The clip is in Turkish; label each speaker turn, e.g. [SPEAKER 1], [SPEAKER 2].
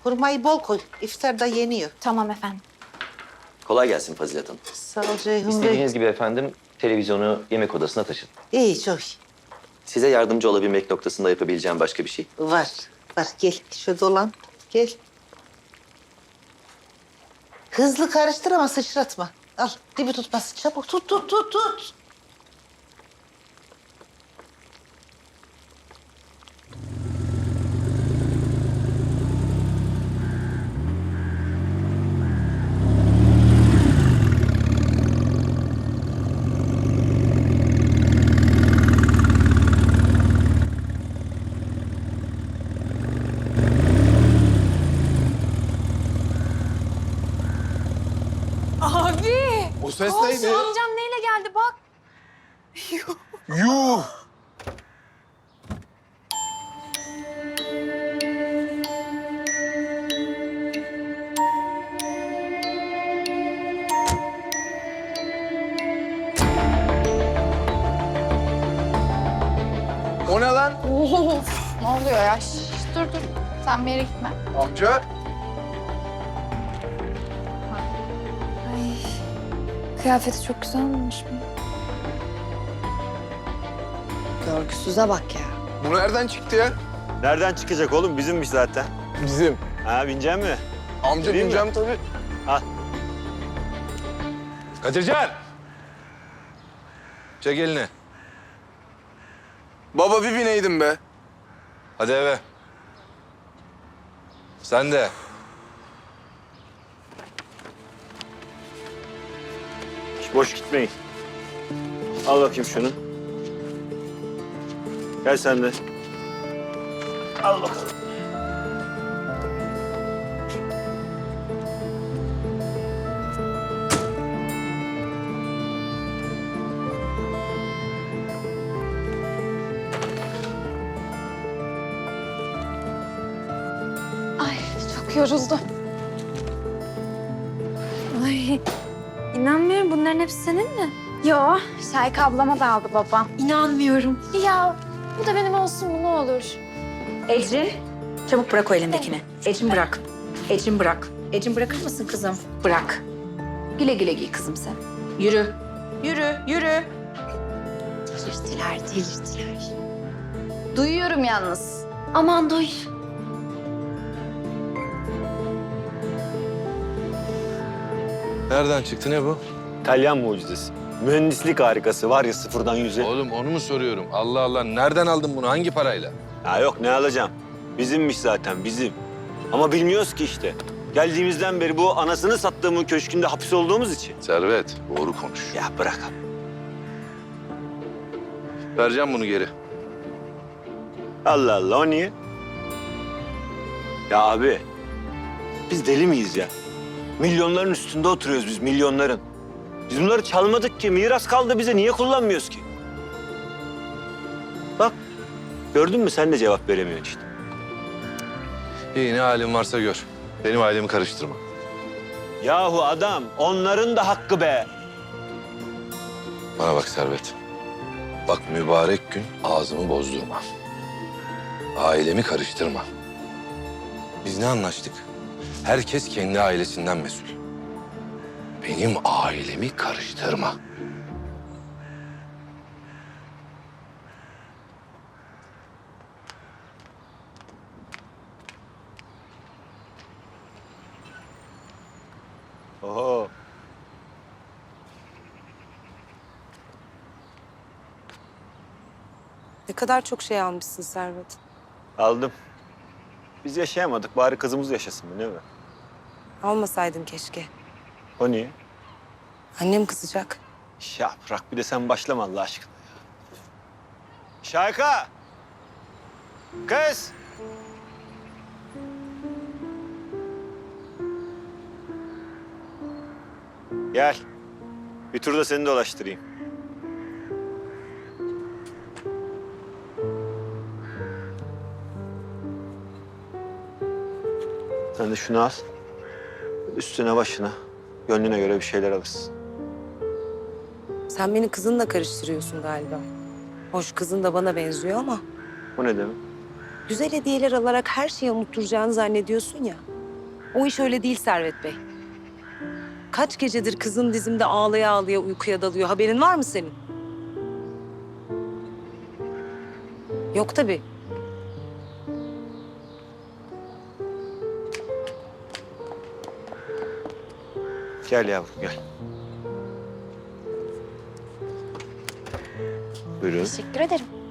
[SPEAKER 1] Hurmayı bol koy. İftarda yeniyor.
[SPEAKER 2] Tamam efendim.
[SPEAKER 3] Kolay gelsin Fazilet Hanım.
[SPEAKER 1] Sağ ol Ceyhun Bey.
[SPEAKER 3] İstediğiniz gibi efendim televizyonu yemek odasına taşıdım.
[SPEAKER 1] İyi, çok iyi.
[SPEAKER 3] Size yardımcı olabilmek noktasında yapabileceğim başka bir şey.
[SPEAKER 1] Var. Gel. Şöyle dolan. Gel. Hızlı karıştır ama sıçratma. Al. Dibi tutmasın. Çabuk tut.
[SPEAKER 2] Abi!
[SPEAKER 4] O ses
[SPEAKER 2] Komşu
[SPEAKER 4] neydi?
[SPEAKER 2] amcam neyle geldi bak.
[SPEAKER 4] Yuh! O ne lan?
[SPEAKER 5] Of, ne oluyor ya? Dur. Sen bir yere gitme.
[SPEAKER 4] Amca.
[SPEAKER 5] Ay, kıyafeti çok güzel olmuş mu?
[SPEAKER 6] Görgüsüze bak ya.
[SPEAKER 4] Bu nereden çıktı ya?
[SPEAKER 7] Nereden çıkacak oğlum? Bizimmiş zaten.
[SPEAKER 4] Bizim.
[SPEAKER 7] Ha binecek mi?
[SPEAKER 4] Amca
[SPEAKER 7] Vereyim mi?
[SPEAKER 4] bineceğim tabii.
[SPEAKER 7] Al.
[SPEAKER 4] Kadircan. Çek elini. Baba bir bineydim be. Hadi eve. Sen de.
[SPEAKER 7] Hiç boş gitmeyin. Al bakayım şunu. Gel sen de. Al bakalım.
[SPEAKER 5] Ay, çok yoruldum.
[SPEAKER 2] Ay inanmıyorum bunların hepsi senin mi?
[SPEAKER 5] Yo, Şayka ablama da aldı babam.
[SPEAKER 2] İnanmıyorum.
[SPEAKER 5] Ya, bu da benim olsun mu ne olur?
[SPEAKER 6] Ecrin, çabuk bırak o elindekini. Ecrin bırak. Ecrin bırak. Ecrin bırakır mısın kızım? Bırak. Güle güle giy kızım sen. Yürü. Yürü. Delirtiler.
[SPEAKER 5] Duyuyorum yalnız.
[SPEAKER 2] Aman duy.
[SPEAKER 4] Nereden çıktı ne bu?
[SPEAKER 7] İtalyan mucizesi. Mühendislik harikası var ya sıfırdan yüze.
[SPEAKER 4] Oğlum onu mu soruyorum? Allah Allah. Nereden aldın bunu? Hangi parayla?
[SPEAKER 7] Ya yok ne alacağım? Bizimmiş zaten bizim. Ama bilmiyoruz ki işte. Geldiğimizden beri bu anasını sattığımın köşkünde hapis olduğumuz için.
[SPEAKER 4] Servet, doğru konuş.
[SPEAKER 7] Ya bırak abi.
[SPEAKER 4] Vereceğim bunu geri.
[SPEAKER 7] Allah Allah o niye? Ya abi biz deli miyiz ya? Milyonların üstünde oturuyoruz biz milyonların. Biz bunları çalmadık ki miras kaldı bize niye kullanmıyoruz ki? Bak gördün mü sen de cevap veremiyorsun işte.
[SPEAKER 4] İyi ne halin varsa gör. Benim ailemi karıştırma.
[SPEAKER 7] Yahu adam onların da hakkı be.
[SPEAKER 4] Bana bak Servet. Bak mübarek gün ağzımı bozdurma. Ailemi karıştırma. Biz ne anlaştık? Herkes kendi ailesinden mesul. Benim ailemi karıştırma.
[SPEAKER 7] Oho.
[SPEAKER 6] Ne kadar çok şey almışsın Servet.
[SPEAKER 7] Aldım. Biz yaşayamadık bari kızımız yaşasın mı ne be?
[SPEAKER 6] Almasaydın keşke.
[SPEAKER 7] O niye?
[SPEAKER 6] Annem kızacak.
[SPEAKER 7] Ya bırak bir de sen başlama Allah aşkına ya. Şayka! Kız! Gel. Bir tur da seni dolaştırayım. Sen de şunu al. Üstüne başına. Gönlüne göre bir şeyler alırsın.
[SPEAKER 6] Sen beni kızınla karıştırıyorsun galiba. Hoş kızın da bana benziyor ama
[SPEAKER 7] Bu ne demek?
[SPEAKER 6] güzel hediyeler alarak her şeyi unutturacağını zannediyorsun ya.
[SPEAKER 8] O iş öyle değil Servet Bey. Kaç gecedir kızın dizimde ağlaya ağlaya uykuya dalıyor. Haberin var mı senin? Yok tabii.
[SPEAKER 7] Gel yavrum gel. Buyurun.
[SPEAKER 5] Teşekkür ederim.